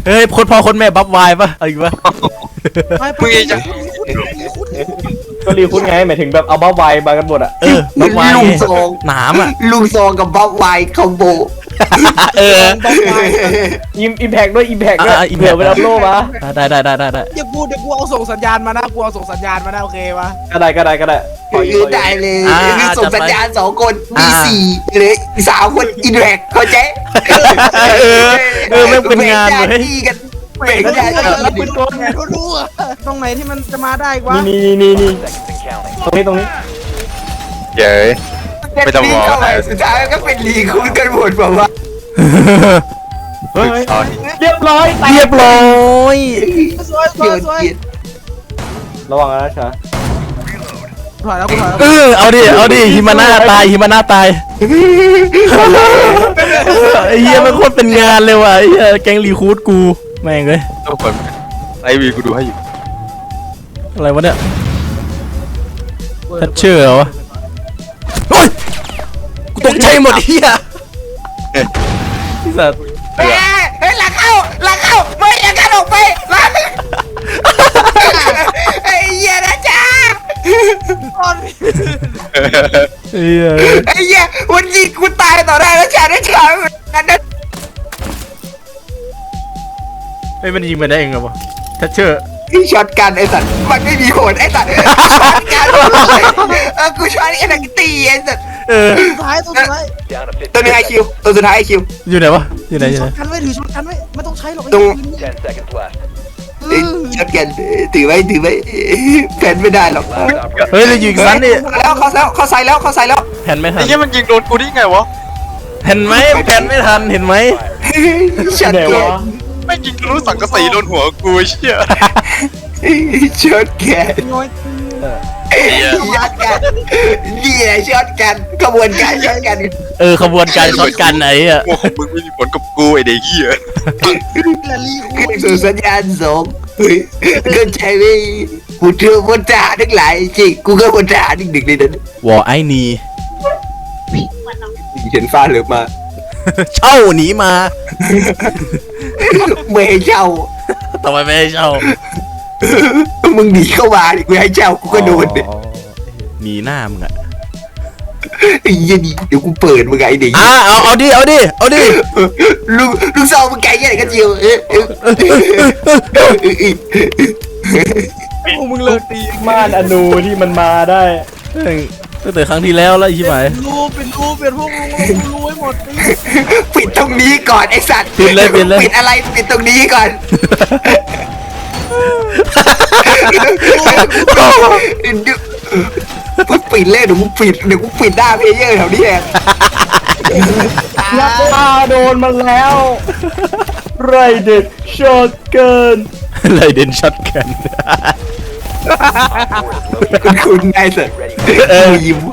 เฮ้ยคนพ่อคนแม่บัฟวายปะอะไรวะมึงจะก็รีคุ้นไงหมายถึงแบบเอาบ้าไวมากันหมดอ่ะบัฟวายลุงซองหนามอ่ะลุงซองกับบ๊อบไวคอมโบอิมแพกด้วยอิมแพกด้วยเผื่อไปรับโล่มาได้เดี๋ยวกูเอาส่งสัญญาณมานะกูเอาส่งสัญญาณมานะโอเคปะก็ได้ได้เลยส่งสัญญาณ2 คนมี4หรือ3 คนอินแรกเข้าใจไม่เป็นงานเลยดีกันเบรกได้แล้วเป็นตัวไงรู้อะตรงไหนที่มันจะมาได้วะนี่ตรงนี้เย้ย ไม่ต้องรอสุดท้ายก็เป็นลีคุ้นกันหมดแบบว่าเฮ้ยเรียบร้อยเรียบร้อยสวยเกียดเกียดระวังนะชาถอยแล้วกูถอยแล้วเอาดิฮิมาน่าตายไอ้เหี้ยมันโคตรเป็นงานเลยว่ะไอ้เหี้ยแก๊งรีคูดกูแม่งเลยทุกคนไอวีกูดูให้อยู่อะไรวะเนี่ยทัชเชอร์เหรอวะโอ้ยกูตกใจหมดเหี้ยที่สัตว์เฮ้ยหลังเข้าไม่อยากกันออกไปหลังไอ้เหี้ยนะจ๊ะเหี้ยไอ้เหี้ยวันยิงกูตายต่อได้แล้วจ๊ะนะจ๊ะนั่นนะไอ้มันยิงไปได้เองเหรอวะทัชเชอร์ที่ช็อตกันไอ้สัตว์มันไม่มีผลไอ้สัตว์ช็อตกันกูช็อตไอ้นักตีไอ้สัตว์สุดท้ายตัวสุดท้ายตัวนึงไอคิวตัวสุดท้ายไอคิวอยู่ไหนวะอยู่ไหนช็อตกันไว้ถือช็อตกันไว้ไม่ต้องใช้หรอกช็อตกันถือไว้แผ่นไม่ได้หรอกเฮ้ยเราอยู่อีกชั้นนี่แล้วเขาใส่แล้วแผ่นไม่ทัไอ้นเหี้ยมันยิงโดนกูได้ไงวะเห็นไหมแผ่นไม่ทันเห็นไหมช็อตไหนแกวะไม่ยิงทะลุสังกะสีโดนหัวกูเชี่ยช็อตแกน้อยช็อตกันนี่แหละช็อตกันกระบวนการช็อตกันขบวนการช็อตกันไหนอ่ะพวกของมึงไม่มีผลกับกูไอเด็กเหี้ยละลีขึ้นสู่สัญญาณ2ก็ใจไม่กูเชื่อคนทหารทั้งหลายจริงกูก็คนทหารหนึ่งในนั้นวอไอนีเห็นฟ้าเหลือมาเช่าหนีมาไม่ให้เช่าทำไมไม่ให้เช่ามึงหนีเข้ามาดิกูให้เช่ากูก็โดนดิหนีหน้ามึงอ่ะไอ้ยี่นี่เดี๋ยวกูเปิดมึงไงไอ้เด็กเอาดิลูกซองมึงไกลแค่ไหนกันเจียวพวกมึงเลิกตีม่านอนูที่มันมาได้ตั้งแต่ครั้งที่แล้วแล้วใช่ไหมเป็นรูเปลี่ยนพวกมึงรู้ให้หมดปิดตรงนี้ก่อนไอ้สัตว์ปิดเลยปิดอะไรปิดตรงนี้ก่อนปิดเล่นเดี๋ยวกูปิดหน้าเพลเยอร์แถวนี้เองยักษ์ตาโดนมันแล้วไรเด็ดช็อตเกินไรเดนช็อตกันคุณไงสัตว์ยิ้ม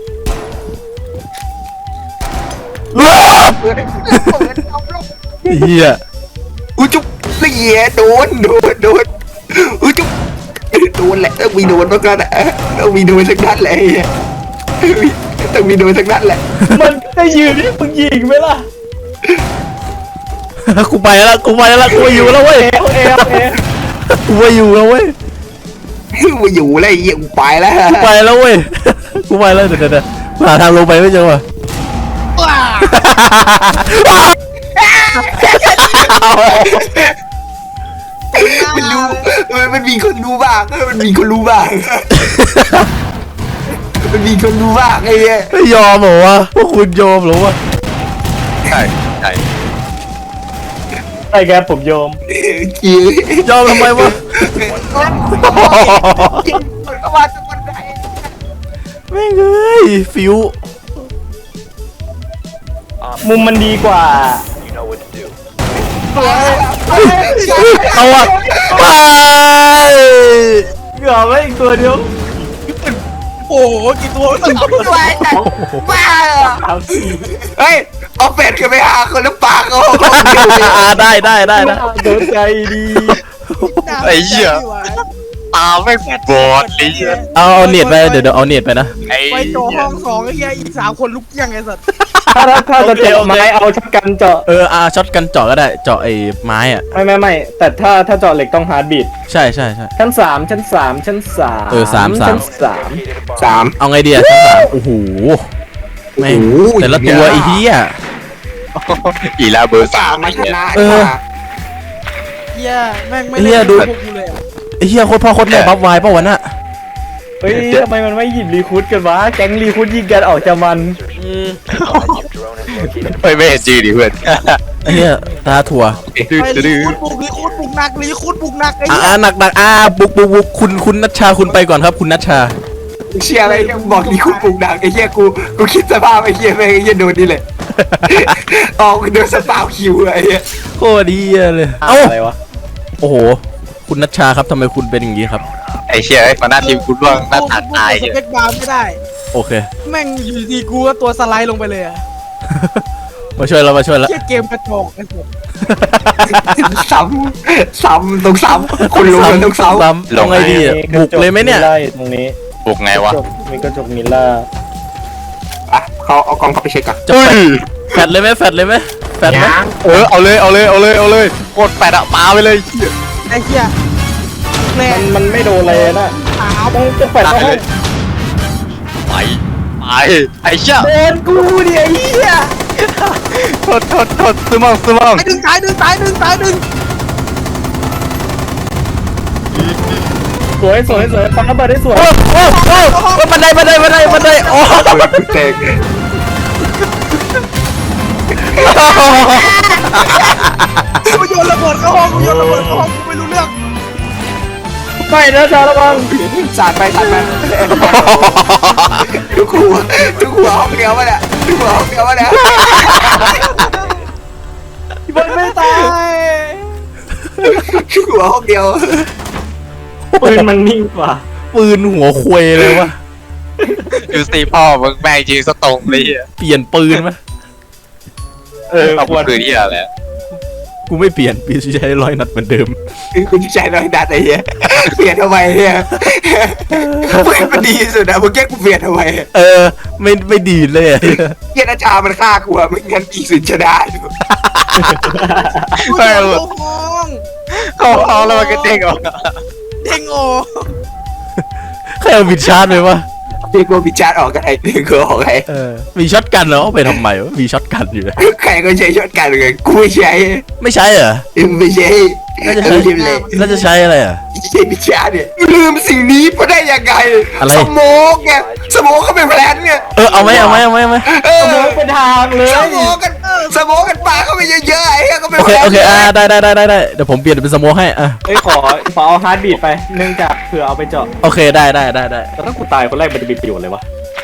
เฮียอุ้ยจุ๊บเสียโดนอุ้ยจุ๊บโดนแหละต้องมีโดนบ้างก็นะต้องมีโดนสักนัดแหละต้องมีโดนสักนัดแหละมันจะยืนที่มึงยิงไหมล่ะกูไปแล้วกูอยู่แล้วเว้ย กูไปอยู่แล้วเว้ยมาอยู่แล้วเยี่ยงไปแล้วกูไปแล้วเดี๋ยวหาทางลงไปไม่เจอว่ะมันรู้มันมีคนรู้บ้างมันมีคนรู้บ้างไอ้เนี่ยไม่ยอมเหรอวะพวกคุณยอมเหรอวะใช่ใช่ไอ้แกผมโยมยอมทำไมวะเข้ามาทุกคนได้แม่งเอ้ยฟิวมุมมันดีกว่าเอาอะไปเหลือไว้อีกตัวเดียวโอ้โหกี่ตัวตัวแต่บ้าเอาสี่เฮ้ยเอาเป็ดกันไปหาคนแล้วปากเขาได้โดนใจดีไอ้เหี้ยตาไม่บอดเลยเอาเน็ตไปเดี๋ยวเอาเน็ตไปนะไอ้ไปโจห้องสองไอ้เหี้ยอีก3 คนลุกเกี้ยงไอ้สัตว์ถ้าจะเจาะไม้เอาช็อตกันเจาะช็อตกันเจาะก็ได้เจาะไอ้ไม้อ่ะไม่แต่ถ้าเจาะเหล็กต้องฮาร์ดบีทใช่ชั้น 3 ชั้น 3 ชั้น 3 สามชั้นสามเอาไงดีอ่ะชั้นสามโอ้โหแม่งแต่ละตัวไอ้เหี้ยอีลาเบอร์สาสาม มมาชนะเหี้ยแม่งไม่เหี้ยดูพวกกูเลยอะไอ้เหี้ยโคตรพ่อโคตรแม่บัฟวายป่ะวะน่ะ 3เฮ้ยทำไมมันไม่หยิบรีคูดกันวะแก๊งรีคูดยิงกันออกจากมันไม่เห็นจืดดิเพื่อนไอ้เหี้ยตาถั่วไปรีคูดปลุกหนักรีคูดปลุกหนักไอ้เหี้ยหนักบุกคุณนัชชาคุณไปก่อนครับคุณนัชชาเชียร์อะไรบอกนี่คุณปลุกดังไอ้เหี้ยกูคิดสภาพไอ้เหี้ยแม่งไอ้เหี้ยโดนนี่เลยออกโดนสปาวคิวไอ้เหี้ยโคตรดีเลยเอ้าอะไรวะโอ้โหคุณนัชชาครับทำไมคุณเป็นอย่างนี้ครับไอ้เชี่ยมาหน้าทีมคุณร่วงหน้าตาตายสเปคบาร์ไม่ได้โอเคแม่งอยู่ดีๆกูก็ตัวสไลด์ลงไปเลยอะมาช่วยแล้วเหี้ยเกมกระจอกไอ้สัตว์ซ้ำต้องซ้ำคนรู้มันต้องซ้ำซ้ำลงไงดีอ่ะบุกเลยไหมเนี่ยไล่ตรงนี้บุกไงวะมีกระจกมิลล่าอ่ะเขาเอากล้องเข้าไปเช็คก่อนจะแฟดเลยไหมแฟดเลยไหมไหมเอาเลยโคตรแปดอะมาไปเลยไอ้เหี้ยแม่มันไม่โดนอะไรนะขาวต้องแฝดเข้าห้องไปไอ้เชี่ยโดนกูดิไอ้เหี้ยโทษซื้อมั่งตายดึงสวยฟังระเบิดได้สวยโอ้บันไดโอ้กูแตกกูโยนระเบิดเข้าห้องกูไม่รู้เรื่องไม่นะชาวระวังสาดไปทุกหัวห้องเดียววะเนี่ยทุกหัวห้องเดียววะเนี่ยมันไม่ตายทุกหัวห้องเดียวปืนมันนิ่งกว่าปืนหัวควยเลยวะดูสิพ่อมึงแม่งจริงสตรงเลยเปลี่ยนปืนไหมเอาปืนที่อะไรกูไม่เปลี่ยนปีใช้100 นัดเหมือนเดิมคุณใจน้อยดัดไอ้เหี้ยเปลี่ยนทำไมเนี่ยเปลี่ยนมันดีสุดนะมึงแกกูเปลี่ยนทำไมไม่ดีเลยอะเหี้ยอาจารย์มันฆ่ากูอะไม่งั้นกี่สุดจะได้กูโยนเข้าห้องเขาแล้วมันก็เด้งออกเด้งออกใครเอาบิดชาร์จไปวะเรียกว่าพิจารณ์ออกกันไอ้เด็กก็ออกไอ้มีช็อตกันเหรอเอาไปทำไมวะมีช็อตกันอยู่เลยใครก็ใช้ช็อตกันเลยกูไม่ใช้ไม่ใช่เหรอไม่ใช่น่าจะใช้ลืมเลยน่าจะใช้อะไรอ่ะใช้พิจารณ์เนี่ยลืมสิ่งนี้เพราะได้ยังไงอะไรสโมกไงสโมกเขาเป็นแพลนไงเอาไหมเอสอมองเป็นทางเลยสโมกกันปาเข้าไปเยอะๆไอ้เหี้ยก็เป็นโอแพเคลนได้เดี๋ยวผมเปลี่ยนเป็นสโมกให้อ่ะเฮ้ยขอเอาฮาร์ดบีทไปเนื่องจากเผื่อเอาไปเจาะโอเคได้แต่ถ้ากูตายคนแรกมันจะมีประโยชน์เลยวะ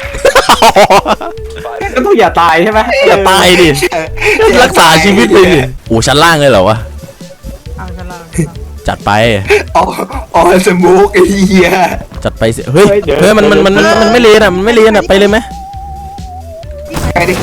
ก็ต้องอย่าตายใช่ไหมอย่าตายดิรักษาชีวิตเลยดิโอ้ชั้นล่างเลยเหรอวะชั้นล่างจัดไปอ๋อสโมกไอ้เหี้ยจัดไปสิเฮ้ยมันไม่เลนอ่ะมันไม่เลนอ่ะไปเลยไหมไปดิ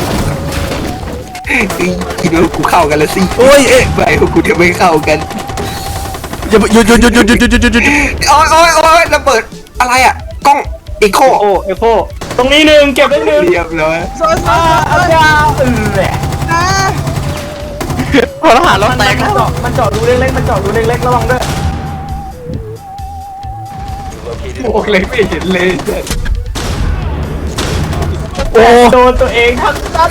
คิดว่ากูเข้ากันแล้วสิโอ้ยไม่พวกกูจะไม่เข้ากันหยุดโอ้ยระเบิดอะไรอ่ะกล้องอีโคเอโคตรงนี้หนึ่งเก็บได้หนึ่งเรียบร้อยโซนอาจารย์นแหละะพอทหารเราแตกมันเจาะดูเล็กๆระวังด้วยโอ้เลยไม่เห็นเลยโอ้โดนตัวเองทั้งนั้น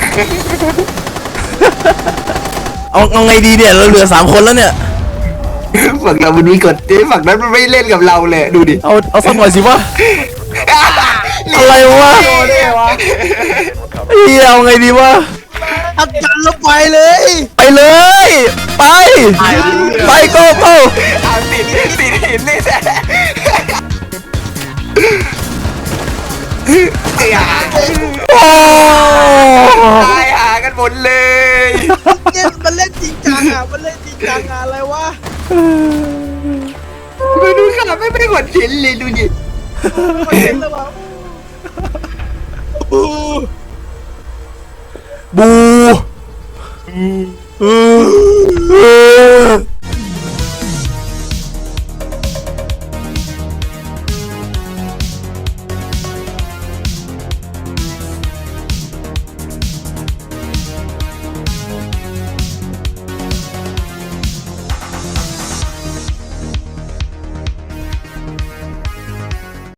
เอาไงดีเนี่ยเราเหลือ3 คนแล้วเนี่ยฝั่งเรามันมีกฎฝั่งนั้นมันไม่เล่นกับเราเลยดูดิเอาสักหน่อยสิวะอะไรวะโดนได้ไงวะเฮียเอาไงดีวะอาการเราไปเลยไปเลยไปโก้เอาติดหินนี่แหละโอ้ตายหากันหมดเลยมันเล่นจริงจังอะไรวะมาดูขนาดไม่หมดหินเลยดูดิมันเล่นแล้ววะบู